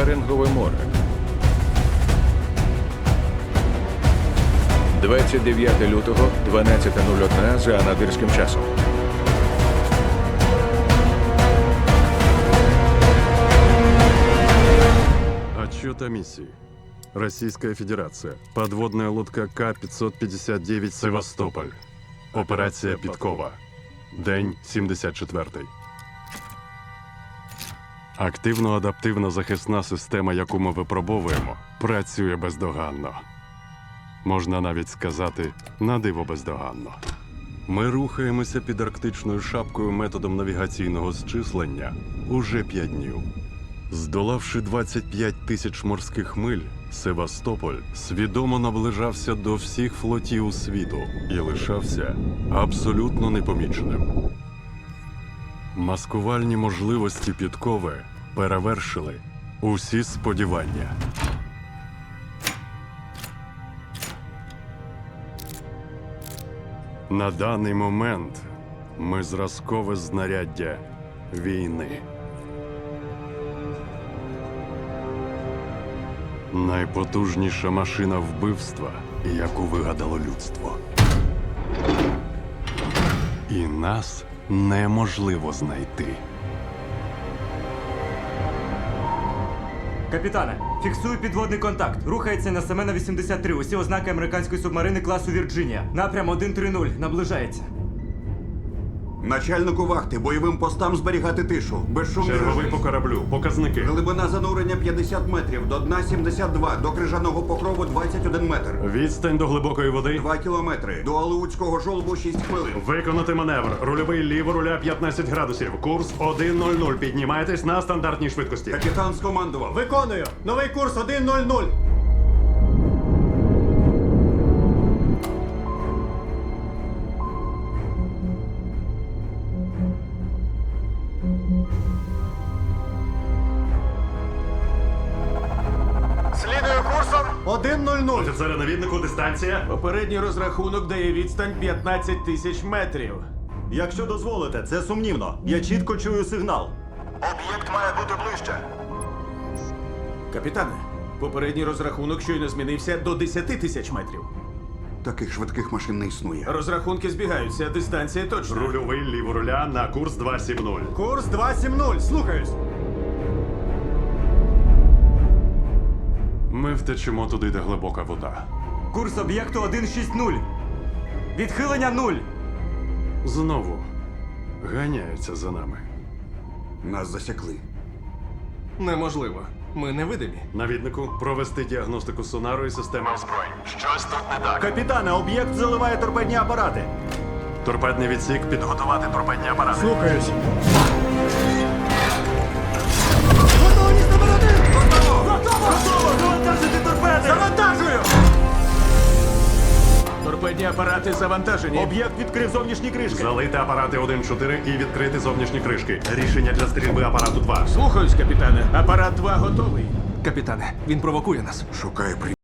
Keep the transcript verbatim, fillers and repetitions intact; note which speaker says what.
Speaker 1: Берингове море. двадцять дев'яте лютого, дванадцята нуль одна за анадирським часом.
Speaker 2: Отчет о миссии. Российская Федерация. Подводная лодка К пятьсот пятьдесят девять «Севастополь». Операція Підкова. День сімдесят четвертий. Активно-адаптивна захисна система, яку ми випробовуємо, працює бездоганно. Можна навіть сказати, на диво бездоганно. Ми рухаємося під арктичною шапкою методом навігаційного зчислення уже п'ять днів. Здолавши двадцять п'ять тисяч морських миль, Севастополь свідомо наближався до всіх флотів світу і лишався абсолютно непоміченим. Маскувальні можливості Підкови перевершили усі сподівання. На даний момент ми зразкове знаряддя війни. Найпотужніша машина вбивства, яку вигадало людство. І нас неможливо знайти.
Speaker 3: Капітане, фіксую підводний контакт. Рухається на Семена вісімдесят три. Усі ознаки американської субмарини класу Вірджинія. Напрям один три нуль. Наближається.
Speaker 4: Начальнику вахти, бойовим постам зберігати тишу. Безшумний
Speaker 2: Черговий
Speaker 4: режим.
Speaker 2: по кораблю. Показники.
Speaker 4: Глибина занурення п'ятдесят метрів, до дна сімдесят два, до крижаного покрову двадцять один метр.
Speaker 2: Відстань до глибокої води.
Speaker 4: два кілометри. До Алеутського жолобу шість хвилин.
Speaker 2: Виконати маневр. Рульовий ліво руля п'ятнадцять градусів. Курс один нуль нуль. Піднімайтесь на стандартній швидкості.
Speaker 4: Капітан скомандував.
Speaker 3: Виконую. Новий курс один нуль нуль.
Speaker 5: Слідую курсом.
Speaker 3: один нуль нуль.
Speaker 2: Офіцери навіднику, дистанція.
Speaker 5: Попередній розрахунок дає відстань п'ятнадцять тисяч метрів.
Speaker 6: Якщо дозволите, це сумнівно. Я чітко чую сигнал.
Speaker 5: Об'єкт має бути ближче. Капітане, попередній розрахунок щойно змінився до десяти тисяч метрів.
Speaker 4: Таких швидких машин не існує.
Speaker 5: Розрахунки збігаються, дистанція точна.
Speaker 2: Рульовий ліво руля на курс два сім нуль.
Speaker 3: Курс два сім нуль. Слухаюсь.
Speaker 2: Ми втечемо туди, де глибока вода.
Speaker 3: Курс об'єкту один шість нуль. Відхилення нуль.
Speaker 2: Знову ганяються за нами.
Speaker 4: Нас засікли.
Speaker 5: Неможливо. Ми невидимі.
Speaker 2: Навіднику, провести діагностику сонару і системи озброєнь. Щось тут не так.
Speaker 6: Капітане, об'єкт заливає торпедні апарати.
Speaker 2: Торпедний відсік, підготувати торпедні апарати.
Speaker 3: Слухаюсь.
Speaker 6: Завантажити торпеди!
Speaker 3: Завантажую!
Speaker 5: Торпедні апарати завантажені.
Speaker 6: Об'єкт відкрив зовнішні кришки.
Speaker 2: Залити апарати один чотири і відкрити зовнішні кришки. Рішення для стрільби апарату два.
Speaker 5: Слухаюсь, капітане. Апарат два готовий. Капітане, він провокує нас.
Speaker 4: Шукає при...